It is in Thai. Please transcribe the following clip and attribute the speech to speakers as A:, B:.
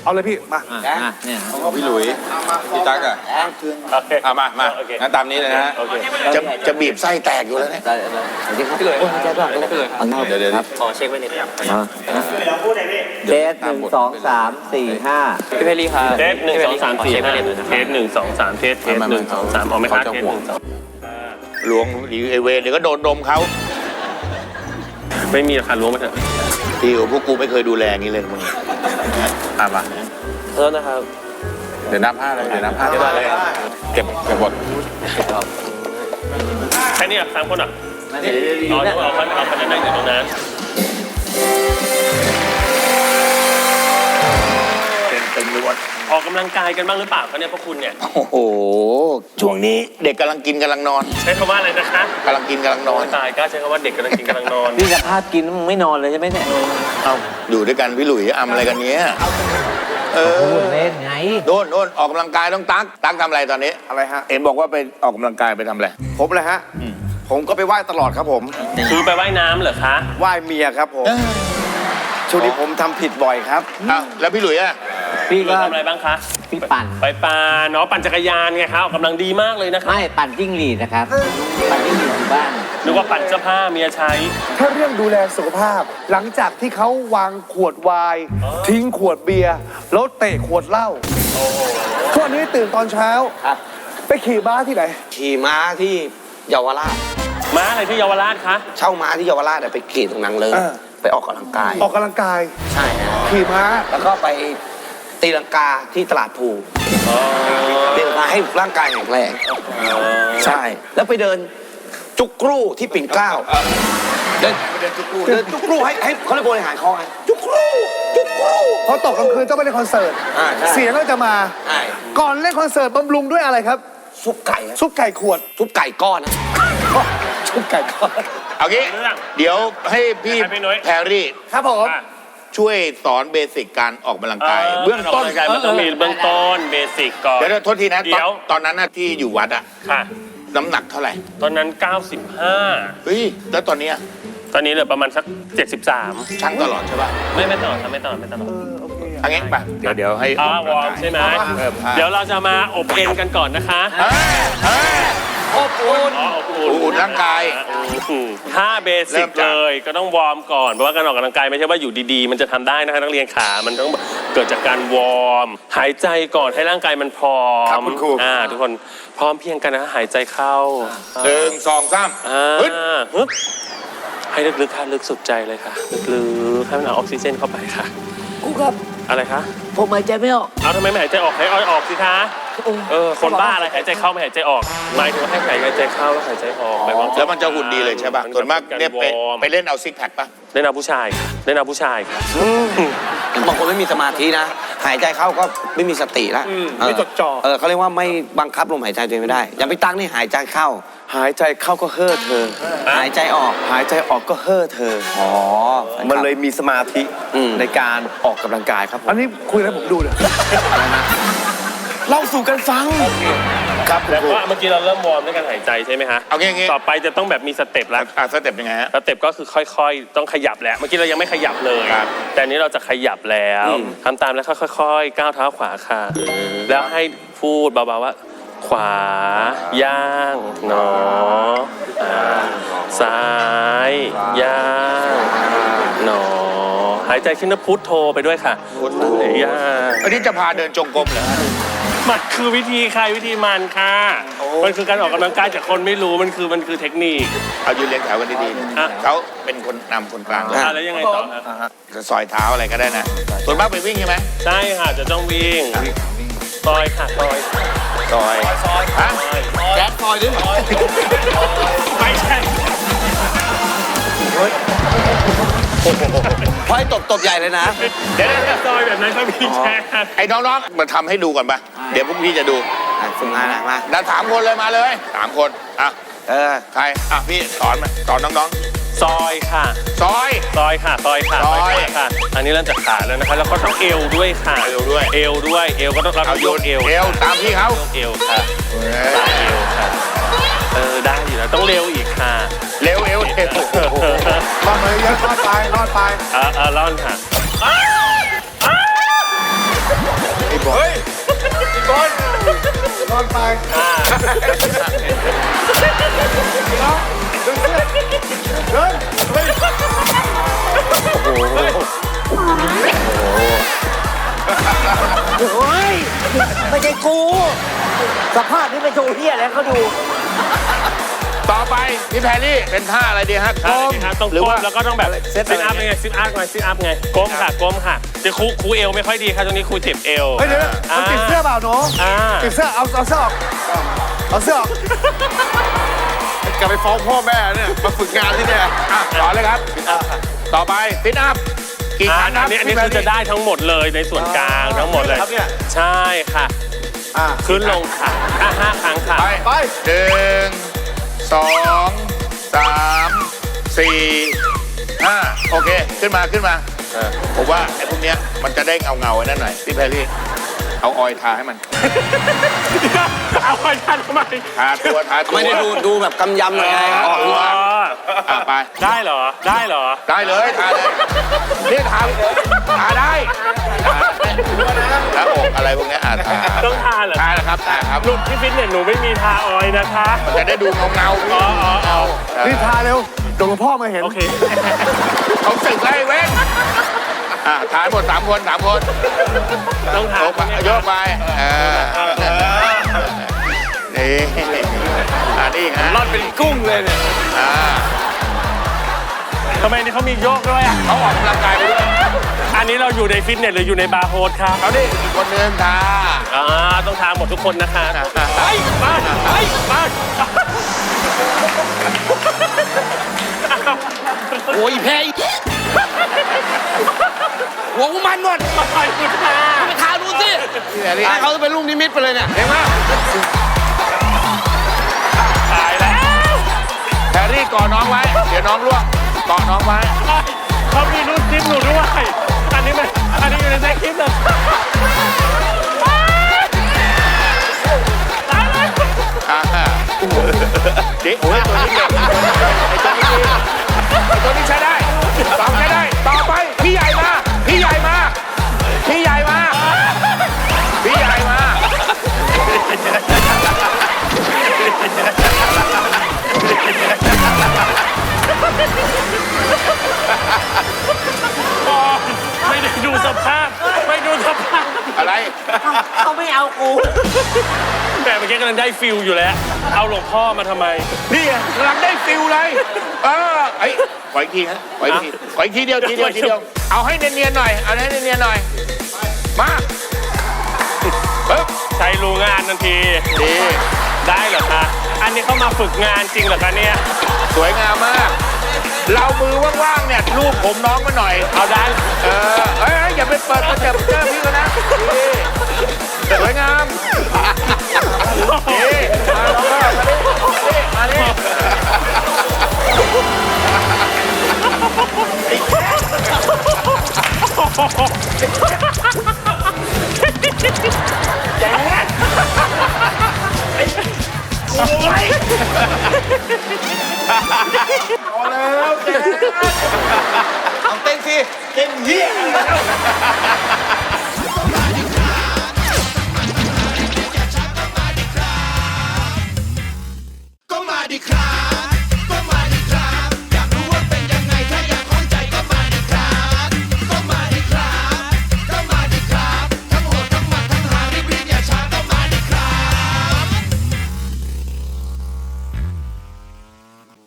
A: เอาเลยพี่มา
B: เนี่ย
C: ของพี่หลุยพี่ตั๊กอ่ะมางั้นตามนี้เลยนะฮะจะบีบไส้แตกอยู่แล้วเนี่ย
B: พี่หลุยเดี๋
C: ยว
B: ขอเช็คไว้นิดนึงเทส1 2 3 4 5พี่เพลีครับ
D: เทส1 2 3 4 5เทส1 2 3เทส1 2 3ออกไหมครับเทส1 2
C: ล้วงไอเวรเดี๋ยวก็โดนนมเขา
D: ไม่มีราคาล้วงมาเถอะ
C: ที่พวกกูไม่เคยดูแลงี้เลยมึงมา
D: โทษนะครับ
C: เดี๋ยวนับ5เลยเดี๋ยวนับ5เลยเก็บหมด
D: แค่นี้อ่ะ3 คนอ่ะเอาคนนั้นนั่งอยู่ตรงนั้น
C: เป็นล้วน
D: ออกกำลังกายกันบ้างหรือเปล่าคะเนี่ยพวกคุณเนี่ย
C: โอ้โหช่วงนี้เด็กกำลังกินกำลังนอน
D: ใช้คำว่าอะไรนะคะ
C: กำลังกินกำลังนอน
D: ตายกล้าใช้คำว่าเด็กกำลังกินกำลังนอน
B: นี่สภาพกินมึงไม่นอนเลยใช่ไหมเนี่ย
C: เอาอยู่ด้วยกันพี่หลุยอะไรกันเนี้ย
B: พูดเล่นไง
C: โน่นออกกำลังกายต้องตั๊กทำอะไรตอนนี้
A: อะไรฮะ
C: เอ็นบอกว่าไปออกกำลังกายไปทำอะไร
A: ผมเลยฮะผมก็ไปไหว้ตลอดครับผม
D: คือไปว่ายน้ำเหรอคะ
A: ไหว้เมียครับผมช่วงนี้ผมทำผิดบ่อยครับ
C: แล้วพี่หลุยอะ
B: พี่ก็
D: ทำอะไรบ้างคะ
B: พี่ปั่น
D: ไปเนาะปั่นจักรยานไงครับออกกำลังดีมากเลยนะครับ
B: ไม่ปั่นจิ้งหรีดนะครับปั่นจิ้งหรีดอยู่บ้าน
D: นึกว่าปั่นเสื้อผ้าเมียใช้
A: ถ้าเรื่องดูแลสุขภาพหลังจากที่เขาวางขวดไวน์ทิ้งขวดเบียร์แล้วเตะขวดเหล้าทุกวันนี้ตื่นตอนเช้าไปขี่ม้าที่ไหน
E: ขี่ม้าที่เยาวราช
D: ม้าอะไรที่เยาวราชคะ
E: เช่าม้าที่เยาวราชไปขี่ตรงนั้นเลยไปออกกำลังกาย
A: ใช่ขี่ม้า
E: แล้วก็ไปตีลังกาที่ตลาดภูตีลังกาให้ร่างกายแข็งแรงใช่แล้วไปเดินจุกกรูที่ปิ่นเกล้าเดินจุกกรูให้เขาเลยบริหารคอไงจุกกรู
A: พอตกกลางคืนต้องไปเล่นคอนเสิร์ตเสียงก็จะมาก่อนเล่นคอนเสิร์ตบำรุงด้วยอะไรครับ
E: ซุปไก่
A: ขวด
E: ซุปไก่ก้อนนะ
A: ซุปไก่ก้อน
C: เอางี้เดี๋ยวให้พี่แพรรี่
A: ครับผม
C: ช่วยสอนเบสิกการออกกำลังกายเบื้องต้น
D: มันต้องมีเบื้องต้นเบสิกก่อน
C: เดี๋ยวโทษทีนะตอนนั้นที่อยู่วัดอะน้ำหนักเท่าไหร่
D: ตอนนั้น95
C: เฮ้ยแล้วตอนนี้
D: เหลือประมาณสัก73
C: ชั่งตลอดใช่ป่ะ
D: ไม่ตลอด
C: อันนี้ป่ะเดี๋ยวให้
D: วอร์มใช่ไหมเดี๋ยวเราจะมาอบเอ็นกันก่อนนะคะ
C: อบอุ่นร่างกาย
D: ถ้าเบสิกเลยก็ต้องวอร์มก่อนเพราะว่าการออกกำลังกายไม่ใช่ว่าอยู่ดีๆมันจะทำได้นะคะนักเรียนขามันต้องเกิดจากการวอร์มหายใจก่อนให้ร่างกายมันพร้อมทุกคนพร้อมเพียงกันนะหายใจเข้า
C: 1 2 3
D: ให้ลึกๆค่ะลึกสุดใจเลยค่ะลึกๆให้มันเอาออกซิเจนเข้าไปค่ะ
B: กูครับ
D: อะไรคะ
B: ผมหายใจไม่ออก
D: เอาทำไมไม่หายใจออกให้อ้อยออกสิคะคนบ้าอะไรหายใจเข้าไม่หายใจออกหมายถึงว่าให้หายใจเข้าแล้วหายใจออก
C: แล้วมันจะหุ่นดีเลยใช่ป่ะส่วนมากเนี่ยไปเล่นเอาซิกแพคป่ะ
D: เล่นเอาผู้ชายค่ะเล่นเอาผู้ชายค่ะ
E: บางคนไม่มีสมาธินะหายใจเข้าก็ไม่มีสติแล้ว
A: ไม่จดจ่อ
E: เขาเรียกว่าไม่บังคับลมหายใจตัวเองไม่ได้อย่างพี่ตั้งนี่หายใจเข้าก็เฮ่อเธอหายใจออกก็เฮ่อเธอ
A: มันเลยมีสมาธิในการออกกำลังกายครับอันนี้คุยให้ผมดูเลยเล่าสู่กันฟัง
D: ครับแล้วก็เมื่อกี้เราเริ่มวอร์มด้วยการหายใจใช่ไหมฮะ
C: เอางี้
D: ต่อไปจะต้องแบบมีสเต็ปแล้ว
C: สเต็ปยังไงฮะ
D: สเต็ปก็คือค่อยๆต้องขยับแหละเมื่อกี้เรายังไม่ขยับเลยแต่นี้เราจะขยับแล้วทำตามแล้วค่อยๆก้าวเท้าขวาค่ะแล้วให้พูดเบาๆว่าขวาย่างหนอซ้ายย่างหนอหายใจขึ้นแล้วพุทโธไปด้วยค่ะ
C: พุทโธ
D: ย่าง
C: อันนี้จะพาเดินจงกรมเหรอ
D: มันคือวิธีใครวิธีมันค่ะมันคือการออกกำลังกายจากคนไม่รู้มันคือเทคนิค
C: เอายืนเรียงแถวกันดีๆเขาเป็นคนนำคนกลาง
D: แล้วยังไงต่อครับ
C: ซอยเท้าอะไรก็ได้นะส่วนมากไปวิ่งใช่ไหม
D: ใช่ค่ะจะต้องวิ่งซอยค่ะซอย
C: ฮะ
E: แก๊สซอยด้วย
D: ไม่ใช่
E: พอยตบใหญ่เลยนะ
D: เดี๋ยวซอยแบบนั้นก็มีแชร์
C: ไอ้น้องๆมาทำให้ดูก่อนปะเดี๋ยวพวกพี่จะดู
E: ฝึกงานมา
C: เรา3 คนเลยมาเลย3 คนใครพี่สอนน้อง
D: ๆซอยค่ะ
C: ซอย
D: ค่ะอันนี้เริ่มจากขาแล้วนะคะแล้วก็ต้องเอวด้วยค่ะเอวด้วยก็ต้อง
C: เอาโยนเอวตามพี่เขา
D: เอวค่ะเอวค่ะได้อยู่แล้วต้องเร็วอีกค่ะ
C: เร็ว
A: รอดเลยเยอะรอดไป
D: ร่อนค่ะ
A: ก่อนไปน้องดึงเสื้อเดินเฮ้ย
B: โอ้ยไม่ใช่กู สภาพนี้เป็นโชว์เฮียแล้วเขาดู
C: ต่อไปพี่แพรรี่เป็นท่าอะไรดีฮะ
D: ใช่ครับต้อง
C: หรือ
D: ก้
C: ว่า
D: มแล้วก็ต้องแบบซิทอัพไงซิทอัพไงซิทอัพไงก้มค่ะก้มค่ะจะครูเอวไม่ค่อยดีค่ะตรงนี้ครูเจ็บเอว
A: เฮ้ยเดี๋ยวมันติดเสื้อเปล่าหนู
D: อ่า
A: ติดเสื้อเอาเสื้อออกเอาเสื้อออก
C: กลับไปฟ้องพ่อแม่เนี่ยมาฝึกงานที่เนี่ยอ่ะต่อเลยครับ ต่อไปฟิตอัพกี่ครั้งค
D: อั
C: รับ
D: นนี้คือจะได้ทั้งหมดเลยในส่วนกลางทั้งหมดเลย
A: ครับเนี่ย
D: ใช่ค่ะขึ้นลงค่ะ5 ครั้งค่ะ
C: ไป1 2 3 4 5โอเคขึ้นมาผมว่าไอ้พวกเนี้ยมันจะได้เงาไว้นั่นหน่อยพี่แพรรี่เอาออยล์ทาให้มัน
D: เอาไปทันทำไม
C: ทาตัว
E: ไม่ได้ดูแบบกำยำหน่อยไงออก
C: ตัวไป
D: ได้เหรอได้เหรอ
C: ได้เลยทาเลยนี่ทาได้แล้วอกอะไรพวกเนี้ยทา
D: ต้องทาเหรอ
C: ทานะครับทาครับ
D: หลุดที่ฟิตเนสหนูไม่มีทาออยล์นะคะ
C: มันจะได้ดูเงาพี่เงา
A: รีบทาเร็วเดี๋ยวหลวงพ่อมาเห็น
D: โอเค
C: เขาสึกไล่เว้นทายหมด3 คน
D: ต้องทา
C: โยกไปนี่นี่ฮะ
D: ร่อนเป็นกุ้งเลยเนี่ยทำไมนี่เขามีโยกด้วยอ่ะ
C: เขาออกกำลังกายไปด้วย
D: อันนี้เราอยู่ในฟิตเนสหรืออยู่ในบาร์โฮสครับ
C: เขาดิอีกคนนึงทา
D: ต้องทาหมดทุกคนนะคะไปมา
E: โอ้ยแพ้หัวกูมันหมด
D: ไปคุณทา
E: ไปทาดูสิให้เขาจะเป็นลูกนิมิตไปเลยเนี่ย
C: เห็นไหม
D: ตายแล้ว
C: แพรรี่ก่อน้องไว้ เดี๋ยวน้องล่วงก่อน้องไว้
D: เขามีรูปคลิปหนูด้วยอันนี้อยู่ในคลิปเลยตายแล้ว
C: ดิโอ้ยตัวนี้เก่งไอ้ตัวนี้ดีไอ้ตัวนี้ใช้ได้ต่อใช้ได้ ต่อไปพี่ใหญ่มาพี่ใหญ่มาพี่ใหญ่มาพี่ใหญ่มา
D: ไม่ได้ดูสภาพไม่ดูสภาพ
C: อะไร
B: เขาไม่เอากู
D: แต่เมื่อกี้กำลังได้ฟิลอยู่แล้ว เอาหลวงพ่อมาทำไม
C: นี่ไงกำลังได้ฟิลเลยไอ้ขออีกทีฮะขออีกทีขออีกทีเดียวเอาให้เนียนๆหน่อยเอาให้เนียนๆหน่อยมาปึ๊บ
D: ใช้รู้งานทันที
C: ดี
D: ได้เหรอคะ อันนี้เข้ามาฝึกงานจริงเหรอคะเนี่ย
C: สวยงามมาก เรามือว่างๆเนี่ยรูปผมน้องมาหน่อย
D: เอาได้
C: อย่าไปเปิดกระเจ็บเจอพี่เขานะดีสวยงามดีมาดิ
E: เอาเต้นสิ
C: เก่งเหี้ย